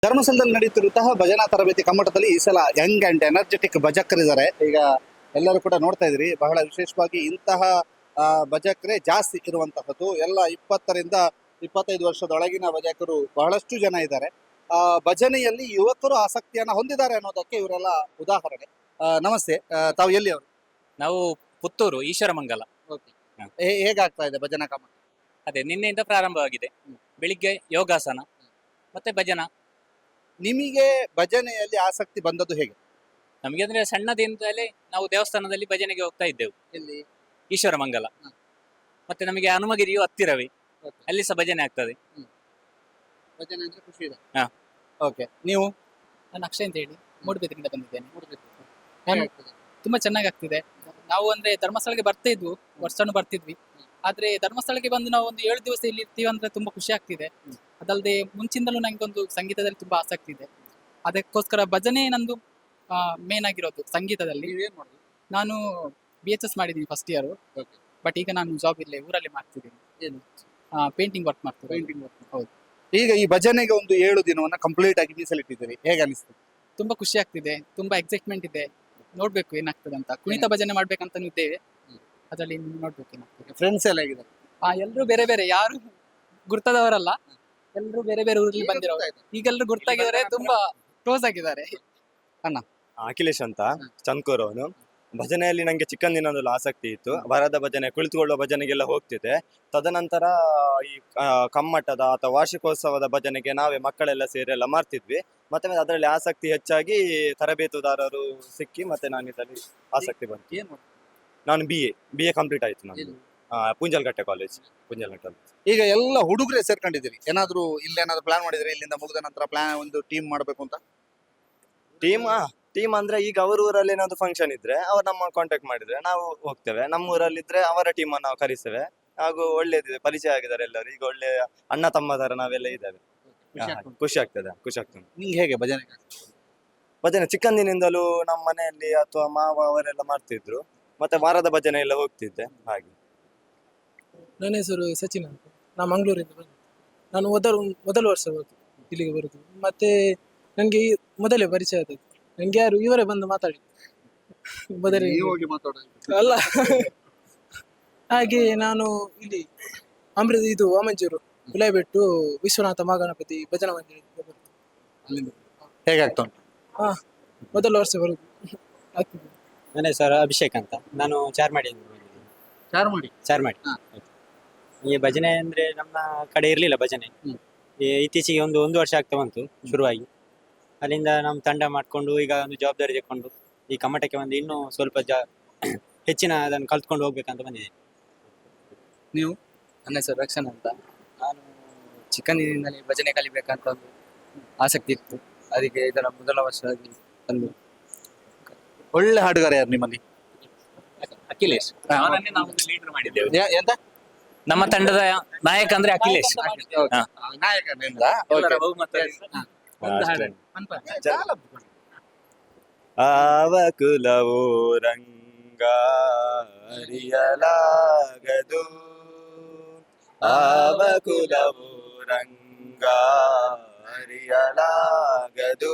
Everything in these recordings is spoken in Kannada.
ಧರ್ಮಸ್ಥಳದಲ್ಲಿ ನಡೆಯುತ್ತಿರುವಂತಹ ಭಜನಾ ತರಬೇತಿ ಕಮ್ಮಟದಲ್ಲಿ ಈ ಸಲ ಯಂಗ್ ಅಂಡ್ ಎನರ್ಜೆಟಿಕ್ ಭಜಕರಿದ್ದಾರೆ. ಈಗ ಎಲ್ಲರೂ ಕೂಡ ನೋಡ್ತಾ ಇದ್ರಿ, ಬಹಳ ವಿಶೇಷವಾಗಿ ಇಂತಹ ಭಜಕರೇ ಜಾಸ್ತಿ ಇರುವಂತಹದ್ದು. ಎಲ್ಲ 20ರಿಂದ 25 ವರ್ಷದೊಳಗಿನ ಭಜಕರು ಬಹಳಷ್ಟು ಜನ ಇದ್ದಾರೆ. ಭಜನೆಯಲ್ಲಿ ಯುವಕರು ಆಸಕ್ತಿಯನ್ನ ಹೊಂದಿದ್ದಾರೆ ಅನ್ನೋದಕ್ಕೆ ಇವರೆಲ್ಲ ಉದಾಹರಣೆ. ನಮಸ್ತೆ, ತಾವು ಎಲ್ಲಿ ಅವರು? ನಾವು ಪುತ್ತೂರು ಈಶ್ವರಮಂಗಲ. ಹೇಗಾಗ್ತಾ ಇದೆ ಭಜನಾ ಕಮ್ಮಟ? ಅದೇ ನಿನ್ನೆಯಿಂದ ಪ್ರಾರಂಭವಾಗಿದೆ. ಬೆಳಿಗ್ಗೆ ಯೋಗಾಸನ ಮತ್ತೆ ಭಜನಾ. ನಿಮಗೆ ಭಜನೆಯಲ್ಲಿ ಆಸಕ್ತಿ ಬಂದದ್ದು ಹೇಗೆ? ನಮಗೆ ಅಂದ್ರೆ ಸಣ್ಣದಿಂದಲೇ ನಾವು ದೇವಸ್ಥಾನದಲ್ಲಿ ಭಜನೆಗೆ ಹೋಗ್ತಾ ಇದ್ದೆವು. ಎಲ್ಲಿ? ಈಶ್ವರಮಂಗಲ. ಮತ್ತೆ ನಮಗೆ ಹನುಮಗಿರಿಯು ಹತ್ತಿರವೇ, ಅಲ್ಲಿ ಸಹ ಭಜನೆ ಆಗ್ತದೆ. ಭಜನೆ ಅಂದ್ರೆ ಖುಷಿ ಇದೆ. ಹಾ. ಓಕೆ, ನೀವು? ನಾನು ಅಕ್ಷಯ್ ಅಂತ ಹೇಳಿ ಮೂಡುಬಿದ್ರೆಯಿಂದ ಬಂದಿದ್ದೇನೆ. ನಾನು ತುಂಬಾ ಚೆನ್ನಾಗಿ ಆಗ್ತಿದೆ. ನಾವು ಅಂದ್ರೆ ಧರ್ಮಸ್ಥಳಕ್ಕೆ ಬರ್ತಾ ಇದ್ವು, ವರ್ಷನೂ ಬರ್ತಿದ್ವಿ. ಆದ್ರೆ ಧರ್ಮಸ್ಥಳಕ್ಕೆ ಬಂದು ನಾವು ಒಂದು 7 ದಿವಸ ಇಲ್ಲಿ ಇರ್ತೀವಿ ಅಂದ್ರೆ ತುಂಬಾ ಖುಷಿ ಆಗ್ತಿದೆ. ಅದಲ್ಲದೆ ಮುಂಚಿಂದಲೂ ನಂಗೊಂದು ಸಂಗೀತದಲ್ಲಿ ತುಂಬಾ ಆಸಕ್ತಿ ಇದೆ. ಅದಕ್ಕೋಸ್ಕರ ಭಜನೆ ನಂದು ಮೇನ್ ಆಗಿರೋದು ಸಂಗೀತದಲ್ಲಿ. ನೀವೇನ್ ಮಾಡುದು? ನಾನು BHS ಮಾಡಿದ್ದೀನಿ ಫಸ್ಟ್ ಇಯರ್. ಬಟ್ ಈಗ ನಾನು ಜಾಬ್ ಇಲ್ಲೇ ಊರಲ್ಲಿ ಮಾಡ್ತಿದ್ದೀನಿ. ಏನು? ಪೇಂಟಿಂಗ್ ವರ್ಕ್ ಮಾಡ್ತೀನಿ. Painting work. ಹೌದು. ಈಗ ಈ ಭಜನೆಗೆ ಒಂದು 7 ದಿನವನ್ನ ಕಂಪ್ಲೀಟ್ ಆಗಿ ಮೀಸಲಿಟ್ಟಿದ್ದೀರಿ, ಹೇಗೆ ಅನಿಸ್ತದೆ? ತುಂಬಾ ಖುಷಿ ಆಗ್ತಿದೆ, ತುಂಬಾ ಎಕ್ಸೈಟ್ಮೆಂಟ್ ಇದೆ. ನೋಡ್ಬೇಕು ಏನಾಗ್ತದೆ ಅಂತ. ಕುಣಿತ ಭಜನೆ ಮಾಡ್ಬೇಕಂತಾನು ಇದ್ದೇವೆ. ಅದರಲ್ಲಿ ನೋಡ್ಬೇಕು ಏನಾಗ್ತದೆ. ಫ್ರೆಂಡ್ಸ್ ಎಲ್ಲ ಹೇಗಿದ್ದಾರೆ? ಎಲ್ರು ಬೇರೆ ಬೇರೆ, ಯಾರು ಗುರ್ತದವರಲ್ಲ, ಎಲ್ರು ಬೇರೆ ಬೇರೆ ಊರಲ್ಲಿ ಬಂದಿರೋರು. ಈಗೆಲ್ಲರೂ ಗುರ್ತಾಗಿದ್ದಾರೆ, ತುಂಬಾ ಕ್ಲೋಸ್ ಆಗಿದ್ದಾರೆ. ಅಖಿಲೇಶ್ ಅಂತ, ಚಂದ್ಕೂರ್ ಅವನು. ಭಜನೆಯಲ್ಲಿ ನಂಗೆ ಚಿಕ್ಕಂದಿನದಲ್ಲ ಆಸಕ್ತಿ ಇತ್ತು. ವರದ ಭಜನೆ, ಕುಳಿತುಕೊಳ್ಳುವ ಭಜನೆಗೆಲ್ಲ ಹೋಗ್ತಿದ್ದೆ. ತದನಂತರ ಈ ಕಮ್ಮಟದ ಅಥವಾ ವಾರ್ಷಿಕೋತ್ಸವದ ಭಜನೆಗೆ ನಾವೇ ಮಕ್ಕಳೆಲ್ಲ ಸೇರಿ ಎಲ್ಲ ಮಾಡ್ತಿದ್ವಿ. ಮತ್ತೆ ಅದರಲ್ಲಿ ಆಸಕ್ತಿ ಹೆಚ್ಚಾಗಿ ತರಬೇತುದಾರರು ಸಿಕ್ಕಿ ಮತ್ತೆ ನಾನು ಇದರಲ್ಲಿ ಆಸಕ್ತಿ ಬಂತು. ನಾನು BA ಕಂಪ್ಲೀಟ್ ಆಯ್ತು ನಾನು. ಪುಂಜಲ್ಗಟ್ಟೆ ಕಾಲೇಜ್. ಈಗ ಎಲ್ಲ ಹುಡುಗರೇ ಸೇರ್ಕೊಂಡಿದ್ದೀರಿ, ಏನಾದ್ರು ಇಲ್ಲೇನಾದ್ರು ಪ್ಲಾನ್ ಮಾಡಿದ್ರೆ ಇಲ್ಲಿಂದ ಮುಗಿದ ನಂತರ ಪ್ಲಾನ್ ಒಂದು ಟೀಮ್ ಮಾಡ್ಬೇಕು ಅಂತ? ಟೀಮ್ ಅಂದ್ರೆ ಈಗ ಅವ್ರ ಊರಲ್ಲಿ ಏನಾದ್ರು ಫಂಕ್ಷನ್ ಇದ್ರೆ ಅವ್ರು ನಮ್ಮ ಕಾಂಟ್ಯಾಕ್ಟ್ ಮಾಡಿದ್ರೆ ನಾವು ಹೋಗ್ತೇವೆ. ನಮ್ಮ ಊರಲ್ಲಿದ್ರೆ ಅವರ ಟೀಮ್ ಅನ್ನು ನಾವು ಕರಿಸ್ತೇವೆ. ಹಾಗೂ ಒಳ್ಳೇದಿದೆ, ಪರಿಚಯ ಆಗಿದ್ದಾರೆ ಎಲ್ಲರೂ. ಈಗ ಒಳ್ಳೆ ಅಣ್ಣ ತಮ್ಮ ತರ ನಾವೆಲ್ಲ ಇದ್ದೇವೆ. ಖುಷಿ ಆಗ್ತದೆ. ನಿಂಗೆ ಹೇಗೆ ಭಜನೆ? ಭಜನೆ ಚಿಕ್ಕಂದಿನಿಂದಲೂ ನಮ್ಮ ಮನೆಯಲ್ಲಿ ಅಥವಾ ಮಾವ ಅವರೆಲ್ಲ ಮಾಡ್ತಿದ್ರು. ಮತ್ತೆ ವಾರದ ಭಜನೆ ಎಲ್ಲ ಹೋಗ್ತಿದ್ದೆ ಹಾಗೆ. ನನ್ನ ಹೆಸರು ಸಚಿನ್ ಅಂತ. ನಾನು ಮಂಗಳೂರಿಂದ ಬಂದು. ನಾನು ಮೊದಲ ವರ್ಷ ಇಲ್ಲಿಗೆ ಬರುದು. ಮತ್ತೆ ನನಗೆ ಮೊದಲೇ ಪರಿಚಯ ಆದದ್ದು. ನಂಗೆ ಯಾರು ಇವರೇ ಬಂದು ಮಾತಾಡಿ ಮೊದಲೇ ಅಲ್ಲ. ಹಾಗೆ ನಾನು ಇಲ್ಲಿ ವಾಮಂಜೂರು ಗುಲಾಬಿಟ್ಟು ವಿಶ್ವನಾಥ ಮಹಾಗಣಪತಿ ಭಜನಾ ಮಂದಿರ ಹೇಗಾಗ್ತಾ ಉಂಟು? ಮೊದಲ ವರ್ಷ ಬರುದು ಆಗ್ತದೆ. ನನ್ನ ಹೆಸರು ಅಭಿಷೇಕ್ ಅಂತ. ನಾನು ಚಾರ್ಮಾಡಿ. ಈ ಭಜನೆ ಅಂದ್ರೆ ನಮ್ಮ ಕಡೆ ಇರ್ಲಿಲ್ಲ ಭಜನೆ. ಇತ್ತೀಚೆಗೆ ಒಂದು ವರ್ಷ ಆಗ್ತಾ ಬಂತು ಶುರುವಾಗಿ. ಅಲ್ಲಿಂದ ನಮ್ಮ ತಂಡ ಮಾಡ್ಕೊಂಡು ಈಗ ಒಂದು ಜವಾಬ್ದಾರಿ ತಗೊಂಡು ಈ ಕಮ್ಮಟಕ್ಕೆ ಬಂದು ಇನ್ನೂ ಸ್ವಲ್ಪ ಹೆಚ್ಚಿನ ಅದನ್ನು ಕಲ್ತ್ಕೊಂಡು ಹೋಗ್ಬೇಕಂತ ಬಂದಿದೆ. ನೀವು? ನನ್ನ ಹೆಸರು ರಕ್ಷಣ್ ಅಂತ. ನಾನು ಚಿಕ್ಕಂದಿನಿಂದಲೇ ಭಜನೆ ಕಲಿಬೇಕಂತ ಒಂದು ಆಸಕ್ತಿ ಇತ್ತು. ಅದಕ್ಕೆ ಇದರ ಮೊದಲ ವರ್ಷ ಬಂದು. ಒಳ್ಳೆ ಹಾಡುಗಾರ ಯಾರು ನಿಮ್ಮಲ್ಲಿ? ಅಖಿಲೇಶ್. ಅವನನ್ನೇ ನಾವು ಲೀಡರ್ ಮಾಡಿದ್ದೇವೆ. ಎಂತ? ನಮ್ಮ ತಂಡದ ನಾಯಕ ಅಂದ್ರೆ ಅಖಿಲೇಶ್. ನಾಯಕನಿಂದ ಎಲ್ಲರ ಬಹುಮತ. ಆವ ಕುಲವೋ ರಂಗ ಅರಿಯಲಾಗದು, ಆವ ಕುಲವೋ ರಂಗ ಅರಿಯಲಾಗದು,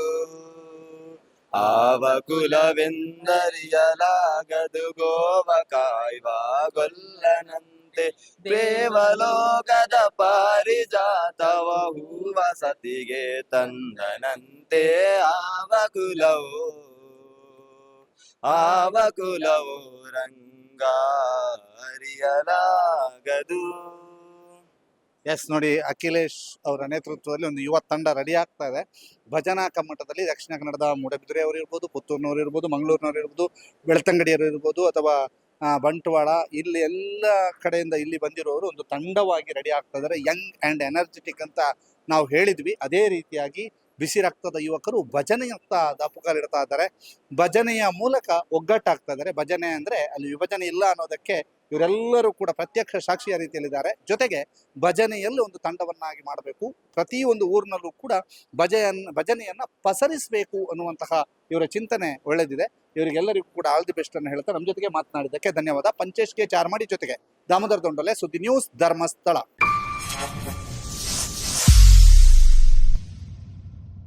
ಆವ ಕುಲವೆಂದರಿಯಲಾಗದು. ಗೋವ ಕಾಯ್ವ ಗೊಲ್ಲನಂತೆ ದೇವಲೋಕದ ಪಾರಿಜಾತವ ಹೂವ ಸತಿಗೆ ತಂದನಂತೆ. ಆವ ಕುಲವೋ ರಂಗ ಅರಿಯಲಾಗದು. ಎಸ್, ನೋಡಿ, ಅಖಿಲೇಶ್ ಅವರ ನೇತೃತ್ವದಲ್ಲಿ ಒಂದು ಯುವ ತಂಡ ರೆಡಿ ಆಗ್ತಾ ಇದೆ. ಭಜನಾ ಕಮ್ಮಟದಲ್ಲಿ ದಕ್ಷಿಣ ಕನ್ನಡದ ಮೂಡಬಿದ್ರೆ ಅವರು ಇರ್ಬೋದು, ಪುತ್ತೂರಿನವರು ಇರ್ಬೋದು, ಮಂಗಳೂರಿನವರು ಇರ್ಬೋದು, ಬೆಳ್ತಂಗಡಿಯವರು ಇರ್ಬೋದು, ಅಥವಾ ಬಂಟ್ವಾಳ, ಇಲ್ಲಿ ಎಲ್ಲ ಕಡೆಯಿಂದ ಇಲ್ಲಿ ಬಂದಿರೋರು ಒಂದು ತಂಡವಾಗಿ ರೆಡಿ ಆಗ್ತಾ ಇದ್ದಾರೆ. ಯಂಗ್ ಆ್ಯಂಡ್ ಎನರ್ಜೆಟಿಕ್ ಅಂತ ನಾವು ಹೇಳಿದ್ವಿ. ಅದೇ ರೀತಿಯಾಗಿ ಬಿಸಿ ರಕ್ತದ ಯುವಕರು ಭಜನೆಯತ್ತ ದಾಪುಗಾಲಿಡ್ತಾ ಇದ್ದಾರೆ. ಭಜನೆಯ ಮೂಲಕ ಒಗ್ಗಟ್ಟಾಗ್ತಾ ಇದ್ದಾರೆ. ಭಜನೆ ಅಂದರೆ ಅಲ್ಲಿ ವಿಭಜನೆ ಇಲ್ಲ ಅನ್ನೋದಕ್ಕೆ ಇವರೆಲ್ಲರೂ ಕೂಡ ಪ್ರತ್ಯಕ್ಷ ಸಾಕ್ಷಿಯ ರೀತಿಯಲ್ಲಿದ್ದಾರೆ. ಜೊತೆಗೆ ಭಜನೆಯಲ್ಲಿ ಒಂದು ತಂಡವನ್ನಾಗಿ ಮಾಡಬೇಕು, ಪ್ರತಿಯೊಂದು ಊರಿನಲ್ಲೂ ಕೂಡ ಭಜನೆಯನ್ನ ಪಸರಿಸಬೇಕು ಅನ್ನುವಂತಹ ಇವರ ಚಿಂತನೆ ಒಳ್ಳೆದಿದೆ. ಇವರಿಗೆಲ್ಲರಿಗೂ ಕೂಡ ಆಲ್ ದಿ ಬೆಸ್ಟ್ ಅನ್ನು ಹೇಳ್ತಾ ನಮ್ಮ ಜೊತೆಗೆ ಮಾತನಾಡಿದ್ದಕ್ಕೆ ಧನ್ಯವಾದ. ಪಂಚೇಶ್ ಕೆ ಚಾರ್ಮಾಡಿ ಜೊತೆಗೆ ದಾಮೋದರ ದೊಂಡಲೆ, ಸುದ್ದಿ ನ್ಯೂಸ್, ಧರ್ಮಸ್ಥಳ.